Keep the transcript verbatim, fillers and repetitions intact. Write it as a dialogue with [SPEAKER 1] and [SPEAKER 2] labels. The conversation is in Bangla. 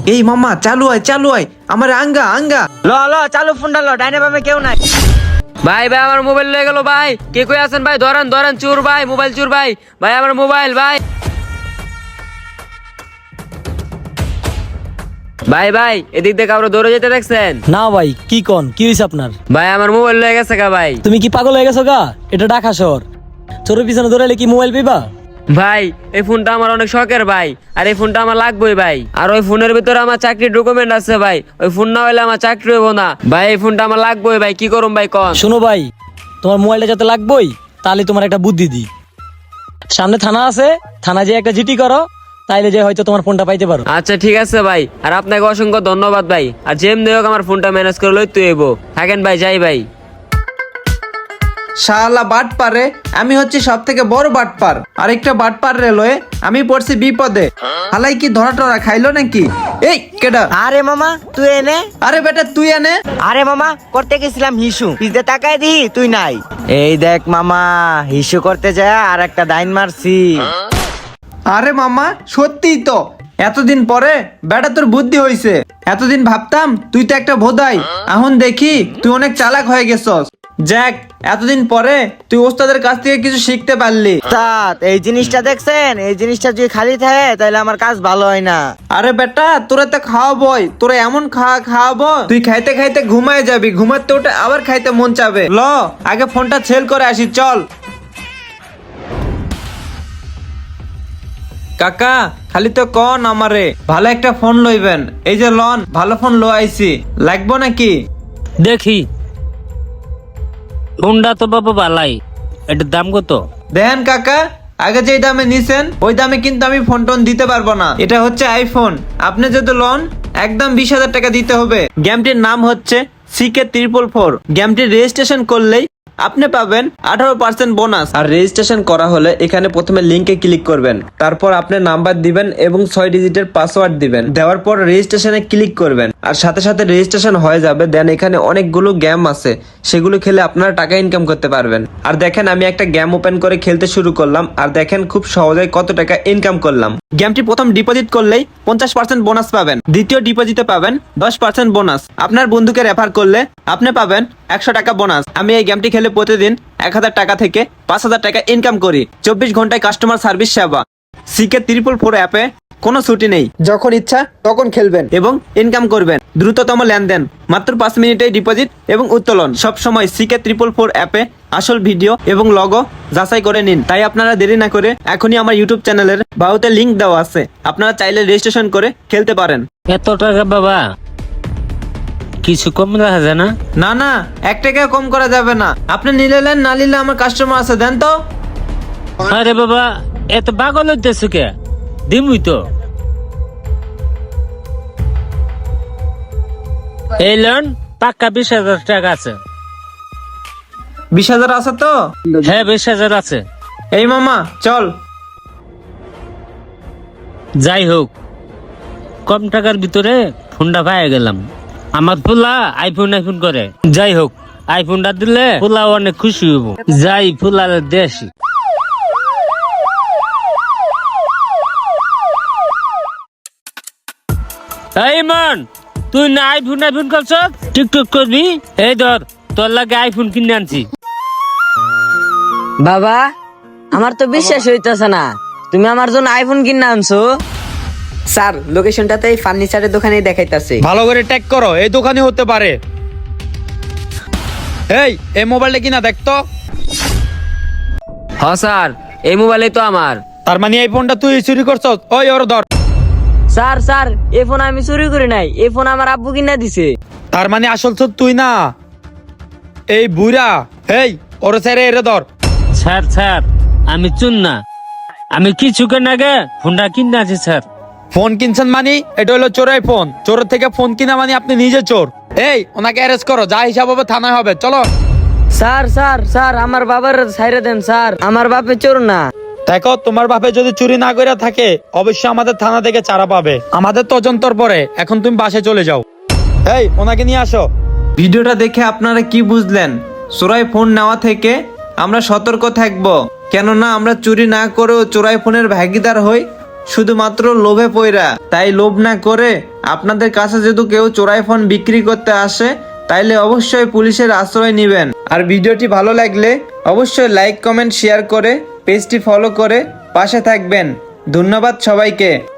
[SPEAKER 1] এই মামা চালু হয় চালু হয় আমার আঙ্গা আঙ্গা
[SPEAKER 2] ল ল চালু ফোনটা ল, ডাইনে বামে কেউ নাই। ভাই ভাই আমার মোবাইল লয়ে গেল ভাই, কে কই আছেন ভাই? ধরেন ধরেন, চোর ভাই, মোবাইল চোর ভাই, ভাই আমার মোবাইল ভাই। ভাই ভাই এদিক দিয়ে কাউরে দৌড়ে যেতে দেখছেন?
[SPEAKER 3] না ভাই, কি কোন, কি হইছে আপনার?
[SPEAKER 2] ভাই আমার মোবাইল লয়ে গেছে গা ভাই।
[SPEAKER 3] তুমি কি পাগল হয়ে গেছো গা? এটা ঢাকা শহর, চোরের পিছনে দৌড়াইলে কি মোবাইল পাইবা?
[SPEAKER 2] ভাই এই ফোনটা আমার অনেক শখের ভাই, আর এই ফোনটা আমার লাগবেই ভাই। আর ওই ফোনের ভিতরে আমার চাকরির ডকুমেন্ট আছে ভাই, ওই ফোন না হইলে আমার চাকরি হইব না ভাই। এই ফোনটা আমার লাগবেই ভাই, কি করুম ভাই কন?
[SPEAKER 3] শোনো ভাই, তোমার মোবাইলটা যাতে লাগবেই, তাহলে তোমার একটা বুদ্ধি দিই। সামনে থানা আছে, থানা যে একটা জিটি করো, তাইলে যে হয়তো তোমার ফোনটা পাইতে পারো।
[SPEAKER 2] আচ্ছা ঠিক আছে ভাই, আর আপনাকে অসংখ্য ধন্যবাদ ভাই। আর যেমনি হোক আমার ফোনটা ম্যানেজ করে লই তুই এবো। থাকেন ভাই, যাই ভাই।
[SPEAKER 1] শালা বাট পারে, আমি হচ্ছে সব থেকে বড় বাটপার। আরেকটা বাটপার রেলওয়ে, আমি পড়ছি বিপদে। হালাই কি ধরা টরা খাইলো নাকি? এই কেডা?
[SPEAKER 4] আরে মামা তুই এনে।
[SPEAKER 1] আরে বেটা তুই এনে।
[SPEAKER 4] আরে মামা করতে গেছিলাম হিসু, পিছতে তাকায় দি তুই নাই। এই দেখ মামা, হিসু করতে যায় আর একটা ডাইন মারছি।
[SPEAKER 1] আরে মামা সত্যিই তো, এতদিন পরে বেটা তোর বুদ্ধি হইছে। এতদিন ভাবতাম তুই তো একটা ভোদাই, এখন দেখি তুই অনেক চালাক হয়ে গেছস। যাক, এতদিন পরে তুই ওস্তাদের কাছ থেকে কিছু শিখতে পারলি।
[SPEAKER 4] উস্তাদ, এই জিনিসটা দেখছেন? এই জিনিসটা যদি খালি থাকে তাহলে আমার কাজ ভালো হয় না।
[SPEAKER 1] আরে বেটা তোরা তো খাওয়াবই, তোরা এমন খাওয়া খাওয়াবো তুই খাইতে খাইতে ঘুমায় যাবি, ঘুমাতে উঠে আবার খাইতে মন চাবে। ল আগে ফোনটা সেল করে আসি চল। কাকা খালি তো কন আমারে ভালো একটা ফোন লইবেন। এই যে লন, ভালো ফোন লো আইছি, লাগবো নাকি?
[SPEAKER 5] দেখি ফোনটা তো বাবা ভালাই, এটার দাম কত?
[SPEAKER 1] দেন কাকা, আগে যে দামে নিছেন ওই দামে কিন্তু আমি ফোন টোন দিতে পারবো না। এটা হচ্ছে আইফোন, আপনি যদি লন একদম বিশ হাজার টাকা দিতে হবে। গেমটির নাম হচ্ছে সিকে ট্রিপল ফোর। গেমটি রেজিস্ট্রেশন করলেই আপনি পাবেন আঠারো পার্সেন্ট বোনাস। আর রেজিস্ট্রেশন করা হলে এখানে প্রথমে লিঙ্কে ক্লিক করবেন, তারপর আপনার নাম্বার দিবেন এবং ছয় ডিজিটের পাসওয়ার্ড দিবেন। দেওয়ার পর রেজিস্ট্রেশনে ক্লিক করবেন, আর সাথে সাথে রেজিস্ট্রেশন হয়ে যাবে। দেন এখানে অনেকগুলো গেম আছে, সেগুলো খেলে আপনারা টাকা ইনকাম করতে পারবেন। আর দেখেন আমি একটা গেম ওপেন করে খেলতে শুরু করলাম, আর দেখেন খুব সহজেই কত টাকা ইনকাম করলাম। গেমটি প্রথম ডিপোজিট করলেই পঞ্চাশ পার্সেন্ট বোনাস পাবেন, দ্বিতীয় ডিপোজিটে পাবেন দশ পার্সেন্ট বোনাস, আপনার বন্ধুকে রেফার করলে আপনি পাবেন একশো টাকা বোনাস। আমি এই গেমটি খেলে প্রতিদিন এক হাজার টাকা থেকে পাঁচ হাজার টাকা ইনকাম করি। চব্বিশ ঘন্টায় কাস্টমার সার্ভিস সেবা। সিকে ট্রিপল ফোর অ্যাপে কোনো ছুটি নেই, যখন ইচ্ছা তখন খেলবেন এবং ইনকাম করবেন। দ্রুততম লেনদেন, মাত্র পাঁচ মিনিটেই ডিপোজিট এবং উত্তোলন। সব সময় সিকে ট্রিপল ফোর অ্যাপে আসল ভিডিও এবং লগো যাচাই করে নিন। তাই আপনারা দেরি না করে এখনই আমার ইউটিউব চ্যানেলের বাহুতে লিংক দেওয়া আছে, আপনারা চাইলে রেজিস্ট্রেশন করে খেলতে পারেন।
[SPEAKER 5] এত টাকা বাবা, কিছু কম রাখা যায় না?
[SPEAKER 1] না না, এক টাকা কম করা যাবে না। আপনি নিলে নেন, না নিলে আমার কাস্টমার আছে, দেন তো।
[SPEAKER 5] আরে বাবা এত পাগল হইতেছে কে? দিমুই তো। এই লোন পাক্কা বিশ হাজার টাকা আছে।
[SPEAKER 1] বিশ হাজার আছে তো?
[SPEAKER 5] হ্যাঁ বিশ হাজার আছে।
[SPEAKER 1] এই মামা চল।
[SPEAKER 5] যাই হোক, কম টাকার ভিতরে ফোনটা পাই গেলাম। আমার ফুলা আইফোন আইফোন করে। যাই হোক, আইফোনটা দিলে ফুলা অনেক খুশি হইব। যাই ফুলা দেশি। এই মান, তুই না আইফোন আইফোন করছ, টিকটক করবি? এই ধর তোর লাগে আইফোন কিনে আনছি।
[SPEAKER 2] বাবা আমার তো বিশ্বাস হইতেছে না, তুমি আমার জন্য আইফোন কিনে আনছো।
[SPEAKER 6] স্যার লোকেশনটাতে এই ফার্নিচারের দোকানেই দেখাইতাছে।
[SPEAKER 7] ভালো করে ট্যাগ করো, এই দোকানে হতে পারে। এই এই মোবাইলটা কিনা দেখতো।
[SPEAKER 2] হ স্যার, এই মোবাইলই তো আমার।
[SPEAKER 7] তার মানে এই ফোনটা তুই চুরি করছস? ওই ওর ধর।
[SPEAKER 2] স্যার স্যার এই ফোন আমি চুরি করি নাই, এই ফোন আমার আব্বু কিনা দিছে।
[SPEAKER 7] তার মানে আসল তো তুই না, এই বুড়া। এই ওর ছেড়ে এরে ধর।
[SPEAKER 5] স্যার স্যার আমি চুন না, আমি কিছুক্ষণ আগে ফোনটা কিনে আছি স্যার।
[SPEAKER 7] ফোন কিনছেন মানে এটা হলো চোরাই ফোন। চোরের থেকে ফোন কিনা মানে আপনি নিজে চোর। এই ওনাকে অ্যারেস্ট করো, যা হিসাব হবে থানায় হবে। চলো।
[SPEAKER 2] স্যার স্যার স্যার আমার বাবার ছাইরে দেন স্যার, আমার বাপে চোর না।
[SPEAKER 7] দেখো তোমার বাপে যদি চুরি না করে থাকে অবশ্যই আমাদের থানা থেকে চারা পাবে, আমাদের তদন্তর পরে। এখন তুমি বাসায় চলে যাও। এই ওনাকে নিয়ে আসো।
[SPEAKER 1] ভিডিওটা দেখে আপনারা কি বুঝলেন? চোরাই ফোন নেওয়া থেকে আমরা সতর্ক থাকব, কেননা আমরা চুরি না করেও চোরাই ফোনের ভাগিদার হই শুধুমাত্র লোভে পইরা। তাই লোভ না করে আপনাদের কাছে যদি কেউ চোরাই ফোন বিক্রি করতে আসে তাইলে অবশ্যই পুলিশের আশ্রয় নেবেন। আর ভিডিওটি ভালো লাগলে অবশ্যই লাইক কমেন্ট শেয়ার করে পেজটি ফলো করে পাশে থাকবেন। ধন্যবাদ সবাইকে।